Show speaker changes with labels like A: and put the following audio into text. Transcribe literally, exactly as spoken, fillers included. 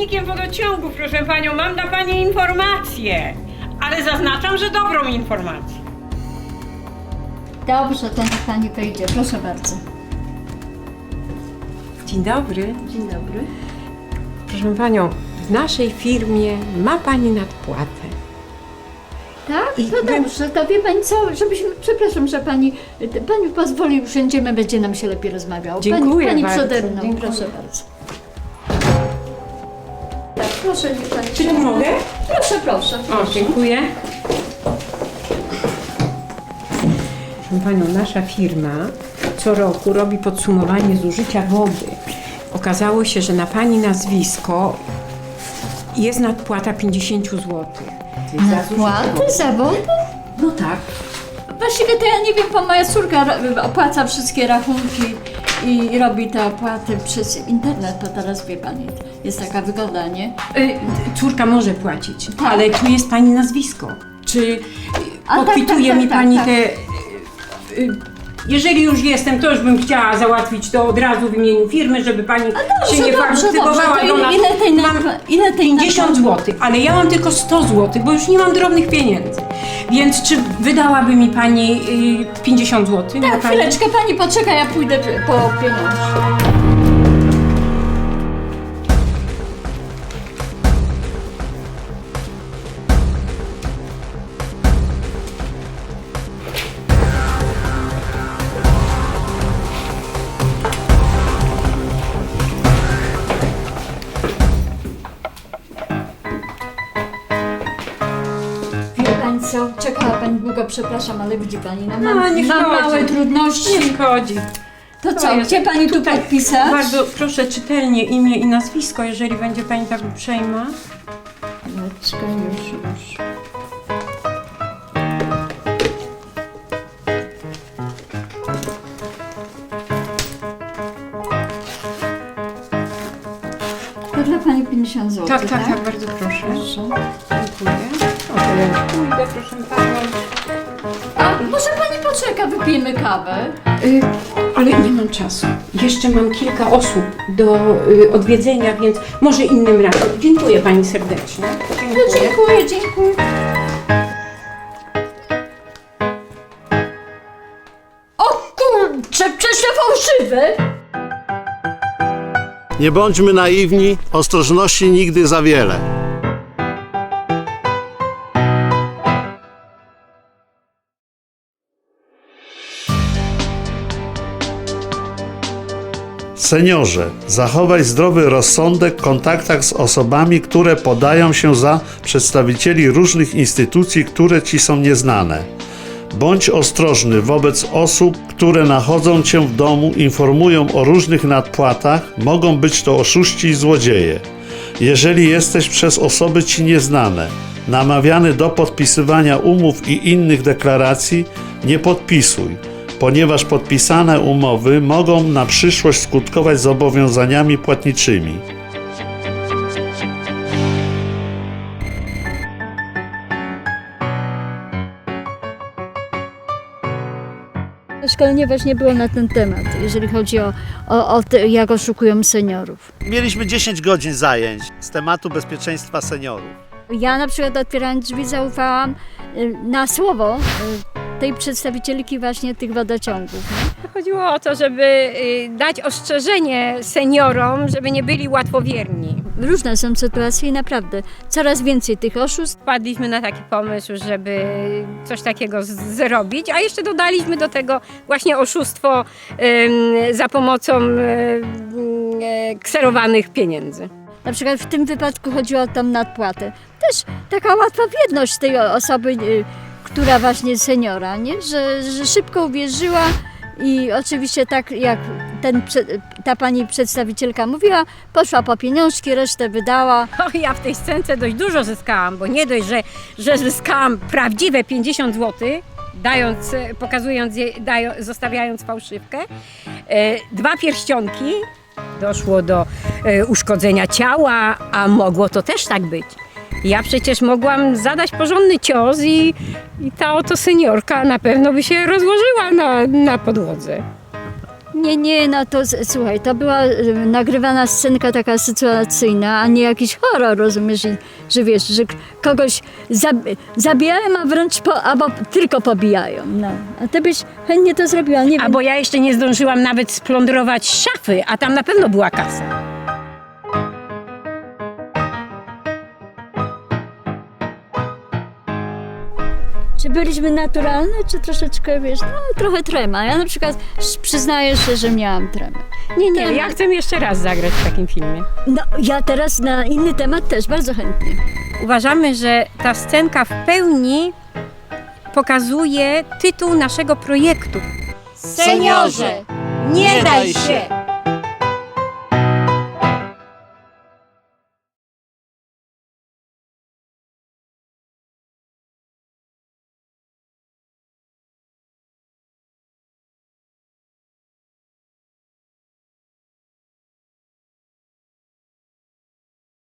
A: pracownikiem wodociągów, proszę panią. Mam dla pani informację, ale zaznaczam, że dobrą informację.
B: Dobrze, to niech pani wejdzie. Proszę bardzo.
A: Dzień dobry.
B: Dzień dobry.
A: Proszę panią, w naszej firmie ma pani nadpłatę.
B: Tak?
A: I
B: To
A: bym-
B: dobrze, to wie pani co, żebyśmy, przepraszam, że pani, pani pozwoli, usiądziemy, będzie nam się lepiej rozmawiało.
A: Dziękuję
B: Pani,
A: bardzo,
B: pani przede mną,
A: dziękuję.
B: proszę bardzo. Tak, proszę, niech pani.
A: Czy tu mogę?
B: Proszę, proszę.
A: O, dziękuję. Proszę panią, nasza firma co roku robi podsumowanie zużycia wody. Okazało się, że na pani nazwisko jest nadpłata pięćdziesiąt złotych.
B: Nadpłaty za wodę?
A: No tak.
B: Właściwie to ja nie wiem, bo moja córka ro- opłaca wszystkie rachunki i robi te opłaty przez internet, bo teraz wie pani, jest taka wygoda, nie?
A: Y, córka może płacić,
B: Tak.
A: ale tu jest pani nazwisko. Czy y,
B: A, tak,
A: podpituje
B: tak,
A: mi
B: tak,
A: pani
B: tak.
A: te... Y, y, jeżeli już jestem, to już bym chciała załatwić to od razu w imieniu firmy, żeby pani się nie faktywowała.
B: to ile, ile tej,
A: Mam
B: nadpła- ile tej
A: pięćdziesiąt
B: nadpłaty?
A: złotych, ale ja mam tylko sto złotych, bo już nie mam drobnych pieniędzy. Więc czy wydałaby mi pani y, pięćdziesiąt złotych?
B: Tak,
A: na pani?
B: chwileczkę, pani poczeka, ja pójdę po pieniądze. Wie pani co, czekała pani długo, przepraszam, ale widzi pani, no mam,
A: No, nie
B: mam
A: szkodzi.
B: małe trudności.
A: Nie szkodzi.
B: To
A: To
B: co,
A: jest
B: gdzie pani tu
A: tutaj
B: podpisać?
A: Bardzo proszę czytelnie imię i nazwisko, jeżeli będzie pani tak uprzejma.
B: Chwileczkę, już, już. To dla pani pięćdziesiąt złotych,
A: Tak, tak, tak, bardzo proszę.
B: Proszę.
A: Dziękuję. O, to ja już pójdę, proszę panią.
B: A może pani poczeka, wypijemy kawę?
A: Y, ale nie mam czasu. Jeszcze mam kilka osób do y, odwiedzenia, więc może innym razem. Dziękuję pani serdecznie.
B: No,
A: Dziękuję.
B: dziękuję, dziękuję. O kurczę, przecież to fałszywe!
C: Nie bądźmy naiwni, ostrożności nigdy za wiele. Seniorze, zachowaj zdrowy rozsądek w kontaktach z osobami, które podają się za przedstawicieli różnych instytucji, które ci są nieznane. Bądź ostrożny wobec osób, które nachodzą cię w domu, informują o różnych nadpłatach, mogą być to oszuści i złodzieje. Jeżeli jesteś przez osoby ci nieznane namawiany do podpisywania umów i innych deklaracji, nie podpisuj, ponieważ podpisane umowy mogą na przyszłość skutkować zobowiązaniami płatniczymi.
B: Szkolenie właśnie było na ten temat, jeżeli chodzi o, o, o te, jak oszukują seniorów.
C: Mieliśmy dziesięć godzin zajęć z tematu bezpieczeństwa seniorów.
B: Ja na przykład otwierając drzwi zaufałam y, na słowo y, tej przedstawicielki właśnie tych wodociągów. Nie?
D: Chodziło o to, żeby y, dać ostrzeżenie seniorom, żeby nie byli łatwowierni.
B: Różne są sytuacje i naprawdę coraz więcej tych oszustw.
D: Wpadliśmy na taki pomysł, żeby coś takiego z- zrobić, a jeszcze dodaliśmy do tego właśnie oszustwo ym, za pomocą ym, y, kserowanych pieniędzy.
B: Na przykład w tym wypadku chodziło o tą nadpłatę. Też taka łatwa wierność tej o- osoby, y, która właśnie seniora, nie? Że, że szybko uwierzyła i oczywiście tak jak ten, prze- ta pani przedstawicielka mówiła, poszła po pieniążki, resztę wydała.
D: O, ja w tej scence dość dużo zyskałam, bo nie dość, że, że zyskałam prawdziwe pięćdziesiąt złotych, dając, e, pokazując, je, dają, zostawiając fałszywkę, e, dwa pierścionki, doszło do e, uszkodzenia ciała, a mogło to też tak być. Ja przecież mogłam zadać porządny cios i, i ta oto seniorka na pewno by się rozłożyła na, na podłodze.
B: Nie, nie, no to z- słuchaj, to była y, nagrywana scenka taka sytuacyjna, a nie jakiś horror, rozumiesz, I, że wiesz, że k- kogoś zab zabijają, a wręcz po, albo tylko pobijają, no. A ty byś chętnie to zrobiła, nie
D: A
B: wiem.
D: bo ja jeszcze nie zdążyłam nawet splądrować szafy, a tam na pewno była kasa.
B: Czy byliśmy naturalne, czy troszeczkę, wiesz, no trochę trema. Ja na przykład sz- przyznaję się, że miałam tremę.
D: Nie, nie,
B: Ten-
D: ja chcę jeszcze raz zagrać w takim filmie.
B: No, ja teraz na inny temat też bardzo chętnie.
D: Uważamy, że ta scenka w pełni pokazuje tytuł naszego projektu.
B: Seniorze,
D: nie daj się!